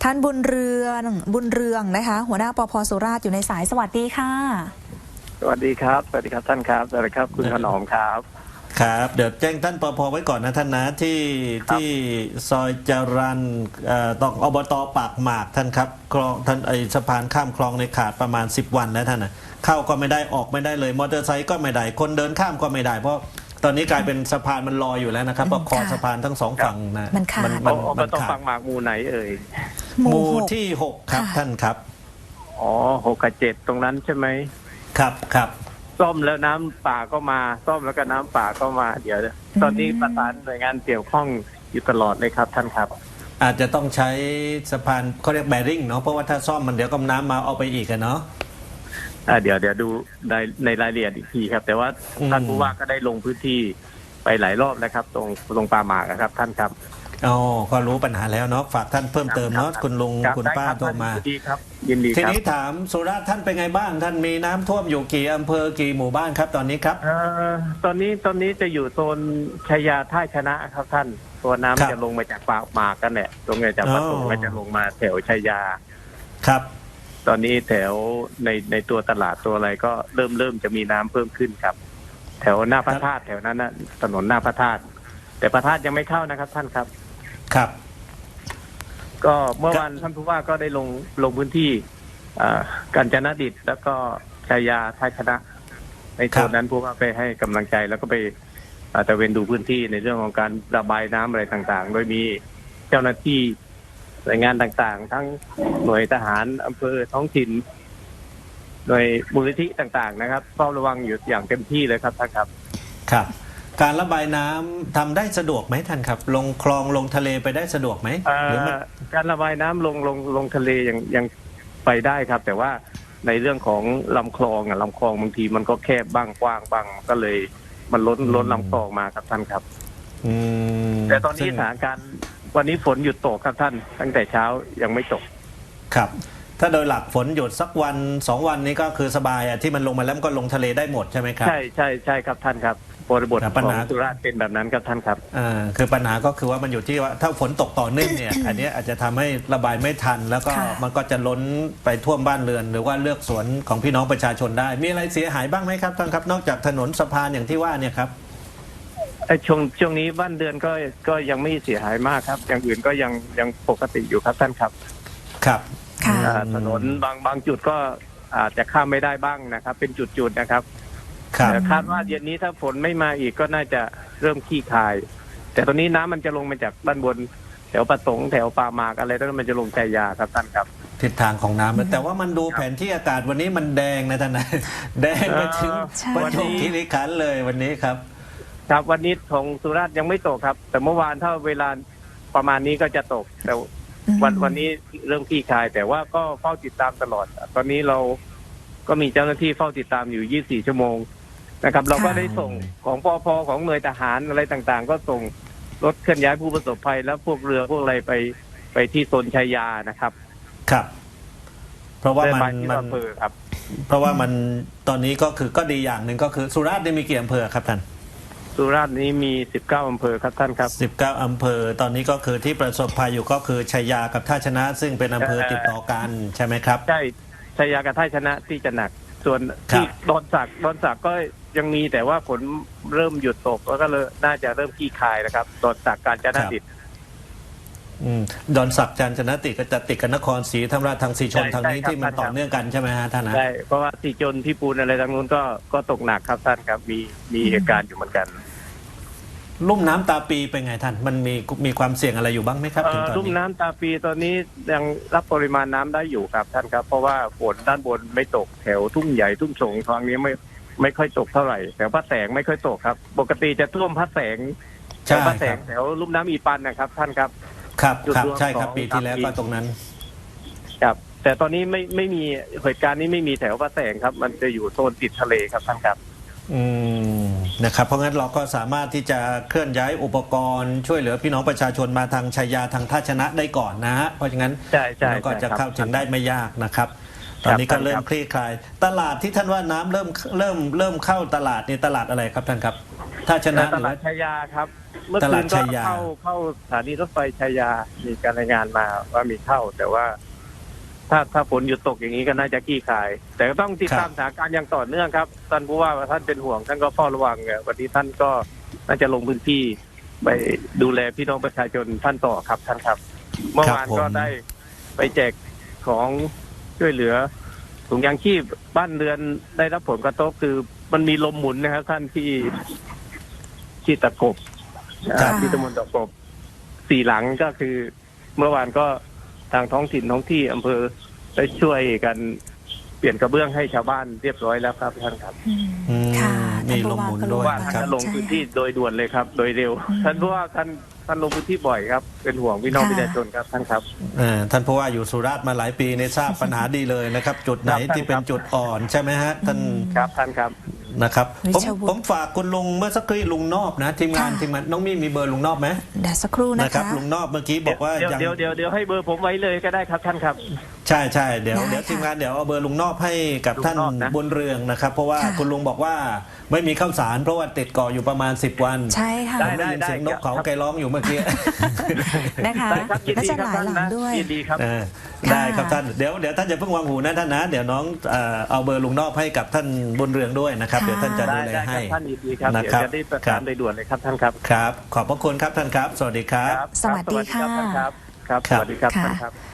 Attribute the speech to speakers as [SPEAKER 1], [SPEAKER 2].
[SPEAKER 1] ท่านบุญเรืองนะคะหัวหน้าปภ.สุราษฎร์อยู่ในสายสวัสดีค่ะ
[SPEAKER 2] สวัสดีครับสวัสดีครับท่านครับสวัสดีครับคุณถนอมครับ
[SPEAKER 3] ครับเดี๋ยวแจ้งท่านปภ.ไว้ก่อนนะท่านนะที่ซอยจรัญต้องอบต.ปากหมากท่านครับคลองท่านสะพานข้ามคลองในขาดประมาณ10 วันนะท่านนะเข้าก็ไม่ได้ออกไม่ได้เลยมอเตอร์ไซค์ก็ไม่ได้คนเดินข้ามก็ไม่ได้เพราะตอนนี้กลายเป็นสะพานมันลอยอยู่แล้วนะครับเพราะคอสะพานทั้ง2 ฝั่งนะ
[SPEAKER 1] มันขาด
[SPEAKER 2] มันต้องปากหมากหมู่ไหนเอ่ย
[SPEAKER 3] หมู่ที่6ครับท่านครับ
[SPEAKER 2] อ๋อ6 กับ 7ตรงนั้นใช่ไหม
[SPEAKER 3] ครับ
[SPEAKER 2] ซ่อมแล้วน้ำป่าก็มาซ่อมแล้วก็น้ำป่าก็มาเดี๋ยวตอนนี้ประสานหน่วยงานเกี่ยวข้องอยู่ตลอดเลยครับท่านครับ
[SPEAKER 3] อาจจะต้องใช้สะพานเขาเรียกแบริ่งเนาะเพราะว่าถ้าซ่อมมันเดี๋ยวก็น้ำมาเอาไปอีกกันเนาะ
[SPEAKER 2] เดี๋ยวดูในรายละเอียดอีกทีครับแต่ว่าท่านผู้ว่าก็ได้ลงพื้นที่ไปหลายรอบแล้วครับตรงป่าหมากครับท่านครับ
[SPEAKER 3] อ๋อก็รู้ปัญหาแล้วเนาะฝากท่านเพิ่มเติมเนาะคุณลุงคุณป้าโทรมา
[SPEAKER 2] ดีครับยินดีครับ
[SPEAKER 3] ทีนี้ถามสุราษฎร์ท่านเป็นไงบ้างท่านมีน้ำท่วมอยู่กี่อำเภอกี่หมู่บ้านครับตอนนี้ครับ
[SPEAKER 2] ตอนนี้จะอยู่โซนชัยยาท่าชนะครับท่านตัวน้ำจะลงมาจากป่าหมากกันแหละตรงนี้จากปทุมก็จะลงมาแถวชัยยา
[SPEAKER 3] ครับ
[SPEAKER 2] ตอนนี้แถวในตัวตลาดตัวอะไรก็เริ่มจะมีน้ำเพิ่มขึ้นครับแถวหน้าพระธาตุแถวนั้นนะถนนหน้าพระธาตุแต่พระธาตุยังไม่เข้านะครับท่านครับ
[SPEAKER 3] ครับ
[SPEAKER 2] ก็เมื่อวานท่านผู้ว่าก็ได้ลงพื้นที่กาญจนดิตแล้วก็ชัยยาท่าชนะในโซนนั้นผู้ว่าไปให้กำลังใจแล้วก็ไปตระเวนดูพื้นที่ในเรื่องของการระบายน้ำอะไรต่างๆโดยมีเจ้าหน้าที่หน่วยงานต่างๆทั้งหน่วยทหารอำเภอท้องถิ่นหน่วยมูลนิธิต่างๆนะครับเฝ้าระวังอยู่อย่างเต็มที่เลยครับท่านครับ
[SPEAKER 3] ครับการระบายน้ำทำได้สะดวกไหมท่านครับลงคลองลงทะเลไปได้สะดวกไหมหรือ
[SPEAKER 2] การระบายน้ำลงทะเลยังไปได้ครับแต่ว่าในเรื่องของลำคลองบางทีมันก็แคบบ้างกว้างบ้างก็เลยมันล้นลำคลองมาครับท่านครับแต่ตอนนี้สถานการณ์วันนี้ฝนหยุดตกครับท่านตั้งแต่เช้ายังไม่ตก
[SPEAKER 3] ครับถ้าโดยหลักฝนหยุดสักวัน2 วันนี้ก็คือสบายที่มันลงมาแล้วก็ลงทะเลได้หมดใช่ไหมครับ
[SPEAKER 2] ใช่ครับท่านครับบริบทของสุราษฎร์เป็นแบบนั้นครับท่านครับ
[SPEAKER 3] คือปัญหาก็คือว่ามันอยู่ที่ว่าถ้าฝนตกต่อเนื่องเนี่ย อันนี้อาจจะทำให้ระบายไม่ทันแล้วก็มันก็จะล้นไปท่วมบ้านเรือนหรือว่าเลือกสวนของพี่น้องประชาชนได้มีอะไรเสียหายบ้างไหมครับท่านครับนอกจากถนนสะพานอย่างที่ว่าเนี่ยครับ
[SPEAKER 2] ช่วงนี้บ้านเรือนก็ยังไม่เสียหายมากครับอย่างอื่นก็ยังปกติอยู่ครับท่านครับ
[SPEAKER 3] ครับ
[SPEAKER 2] ถนนบางจุดก็อาจจะข้ามไม่ได้บ้างนะครับเป็นจุดๆนะครับแต่คาดว่าเย็นนี้ถ้าฝนไม่มาอีกก็น่าจะเริ่มคลี่คลายแต่ตอนนี้น้ำมันจะลงมาจากด้านบนแถวประสงค์แถวป่าหมากอะไรแล้วมันจะลงชัยยาครับท่านครับ
[SPEAKER 3] ทิศทางของน้ำแต่ว่ามันดูแผนที่อากาศวันนี้มันแดงนะท่านนะแดงไปถึงประจวบคีรีขันธ์เลยวันนี้ครับ
[SPEAKER 2] ครับวันนี้ของสุราษฎร์ยังไม่ตกครับแต่เมื่อวานถ้าเวลาประมาณนี้ก็จะตกแต่วันนี้เริ่มคลี่คลายแต่ว่าก็เฝ้าติดตามตลอดตอนนี้เราก็มีเจ้าหน้าที่เฝ้าติดตามอยู่24 ชั่วโมงนะครับเราก็ได้ส่งของปภ.ของหน่วยทหารอะไรต่างๆก็ส่งรถเคลื่อนย้ายผู้ประสบภัยแล้วพวกเรือพวกอะไรไปที่โซนชัยยานะครับ
[SPEAKER 3] ครับเพราะว่ามัน
[SPEAKER 2] ครับ
[SPEAKER 3] เพราะว่ามันตอนนี้ก็คือก็ดีอย่างหนึ่งก็คือสุราษฎร์มีกี่อำเภอครับท่าน
[SPEAKER 2] สุราษฎร์นี้มี19 อำเภอครับท่านครับ
[SPEAKER 3] 19 อำเภอตอนนี้ก็คือที่ประสบภัยอยู่ก็คือชัยยากับท่าชนะซึ่งเป็นอำเภอติดต่อกันใช่ไหมครับ
[SPEAKER 2] ใช่ชัยยากับท่าชนะที่จะหนักส่วนที่ดอนสักก็ยังมีแต่ว่าฝนเริ่มหยุดตกแล้วก็เลยน่าจะเริ่มคลี่คลายนะครับดอนสักกาญจนดิต
[SPEAKER 3] ดอนสักกาญจนดิตก็จะติดกับนครศรีธรรมราชทางสีชนทางนี้ที่มันต่อเนื่องกันใช่ไหมฮะท่านนะ
[SPEAKER 2] ใช่เพราะว่าสีชนที่ปูนอะไรทางนู้นก็ตกหนักครับท่านครับมีเหตุการณ์อยู่เหมือนกัน
[SPEAKER 3] ลุ่มน้ำตาปีเป็นไงท่านมันมีความเสี่ยงอะไรอยู่บ้างไหมครับถึงตอนนี้
[SPEAKER 2] ลุ่มน้ำตาปีตอนนี้ยังรับปริมาณน้ำได้อยู่ครับท่านครับเพราะว่าฝนด้านบนไม่ตกแถวทุ่งใหญ่ทุ่งสงทางนี้ไม่ค่อยตกเท่าไหร่แถวพระแสงไม่ค่อยตกครับปกติจะท่วมพระแสงแถวพระแสงแถวลุ่มน้ำอีปันนะครับท่านครับ
[SPEAKER 3] ครับใช่ครับปีที่แล้วก็ตรงนั้น
[SPEAKER 2] ครับแต่ตอนนี้ไม่มีเหตุการณ์นี้ไม่มีแถวพระแสงครับมันจะอยู่โซนติดทะเลครับท่านครับ
[SPEAKER 3] นะครับเพราะงั้นเราก็สามารถที่จะเคลื่อนย้ายอุปกรณ์ช่วยเหลือพี่น้องประชาชนมาทางชัยยาทางท่าชนะได้ก่อนนะฮะเพราะฉะนั้นเราก็จะเข้าถึงได้ไม่ยากนะครับตอนนี้ก็เริ่มคลี่คลายตลาดที่ท่านว่าน้ำเริ่มเข้าตลาดนี่ตลาดอะไรครับท่านครับท่าชนะ
[SPEAKER 2] ตลาดชัยยาครับเมื่อ
[SPEAKER 3] ต
[SPEAKER 2] คื
[SPEAKER 3] ลาด
[SPEAKER 2] นก็
[SPEAKER 3] ชัยยา
[SPEAKER 2] เข้าสถานีรถไฟชัยยามีการรายงานมาว่ามีเข้า แต่ว่า ถ้าฝนหยุดตกอย่างนี้ก็น่าจะคลี่คลาย แต่ก็ต้องติดตามสถานการณ์อย่างต่อเนื่องครับท่านผู้ว่าท่านเป็นห่วงท่านก็เฝ้าระวังวันนี้ท่านก็น่าจะลงพื้นที่ไปดูแลพี่น้องประชาชนท่านต่อครับท่านครับ เมื่อวานก็ได้ไปแจกของช่วยเหลือถุงยางชีพบ้านเรือนได้รับผลกระทบคือมันมีลมหมุนนะครับท่านที่ตะกบ
[SPEAKER 1] ค่ะ
[SPEAKER 2] ที่ตำบลตะกบ4 หลังก็คือ เมื่อวานก็ทางท้องถิ่นท้องที่อำเภอได้ช่วยกันเปลี่ยนกระเบื้องให้ชาวบ้านเรียบร้อยแล้วครับท่านครับ
[SPEAKER 1] อืมค่ะ
[SPEAKER 3] มีลมหมุนด้วย
[SPEAKER 2] ว่าท่าน
[SPEAKER 3] ครับ
[SPEAKER 2] จะลงพื้นที่โดยด่วนเลยครับ โดยเร็ว ท่านผู้ว่าท่านลงพื้นที่บ่อยครับ เป็นห่วงพี่น้องประชาชนครับท่านครับ
[SPEAKER 3] ท่านผู้ว่าอยู่สุราษฎร์มาหลายปีในทราบปัญหาดีเลยนะครับ จุดไหน
[SPEAKER 2] ครับ
[SPEAKER 3] ที่เป็นจุดอ่อนใช่ไหมฮะท่าน
[SPEAKER 2] ครับท่านครับ
[SPEAKER 3] นะครับ
[SPEAKER 1] วิ
[SPEAKER 3] ผม
[SPEAKER 1] ชวุฒิ
[SPEAKER 3] ผมฝากคุณลุงเมื่อสักครู่ลุงนอบนะทีมงาน
[SPEAKER 1] ค่ะ
[SPEAKER 3] ทีมงานน้องมี่มีเบอร์ลุงนอบไหม
[SPEAKER 1] เดี๋ยวสักครู่นะ
[SPEAKER 3] นะครับ
[SPEAKER 1] คะ
[SPEAKER 3] ลุงนอบเมื่อกี้บอกว่า
[SPEAKER 2] เดี๋ยว
[SPEAKER 3] ยัง
[SPEAKER 2] เดี๋ยวให้เบอร์ผมไว้เลยก็ได้ครับท่านครับ
[SPEAKER 3] ใช่ใช่เดี๋ยว
[SPEAKER 1] ได้
[SPEAKER 3] เดี๋ยว
[SPEAKER 1] ค่ะ
[SPEAKER 3] ทีมงานเดี๋ยวเอาเบอร์ลุงนอบให้กับท่าน
[SPEAKER 2] ลุงนอบนะ
[SPEAKER 3] บนเรืองนะครับ เพราะว่า
[SPEAKER 1] ค่ะ
[SPEAKER 3] คุณลุงบอกว่าไม่มีข้าวสารเพราะว่าติดเกาะอยู่ประมาณ10 วัน
[SPEAKER 1] ใช่ค่ะ
[SPEAKER 3] ผมได้ยินเสียงนกเขาไกลร้องอยู่เมื่อกี้
[SPEAKER 1] นะคะ
[SPEAKER 2] ได้ครับยิน
[SPEAKER 1] และ
[SPEAKER 2] ดี
[SPEAKER 1] จะ
[SPEAKER 2] ครับ
[SPEAKER 1] หลาย
[SPEAKER 2] ท่าน
[SPEAKER 1] หลัง
[SPEAKER 2] นะ
[SPEAKER 1] ด้วย
[SPEAKER 2] ยินดีครับ
[SPEAKER 3] เออ
[SPEAKER 1] ค่ะ
[SPEAKER 3] ได้ครับท่านเดี๋ยวท่านจะเพิ่งวางหูนะท่านนะเดี๋ยวน้องเอาเบอร์ลุงนอบให้กับท่านบนเรืองด้วยนะครับ
[SPEAKER 1] ค่ะ
[SPEAKER 3] เดี๋ยวท่านจะ
[SPEAKER 2] ได้
[SPEAKER 3] ดูแล
[SPEAKER 2] ได้ค
[SPEAKER 3] ให้
[SPEAKER 2] รับท่านยินดีครับ
[SPEAKER 3] นะ
[SPEAKER 2] เดี๋ยว
[SPEAKER 3] ครับ
[SPEAKER 2] จะได้ประ
[SPEAKER 3] ครั
[SPEAKER 2] สาน
[SPEAKER 3] บ
[SPEAKER 2] โดยด่วนเลยครับท่านครับ
[SPEAKER 3] ครับ ขอบพระคุณครับท่านครับ สวัสดีครับ
[SPEAKER 1] สวัสดีค่ะ
[SPEAKER 2] ครับ ครับ
[SPEAKER 3] ครั
[SPEAKER 2] ส
[SPEAKER 3] บ
[SPEAKER 2] วัสดีครับ
[SPEAKER 1] ค่ะ
[SPEAKER 2] ท่านครับ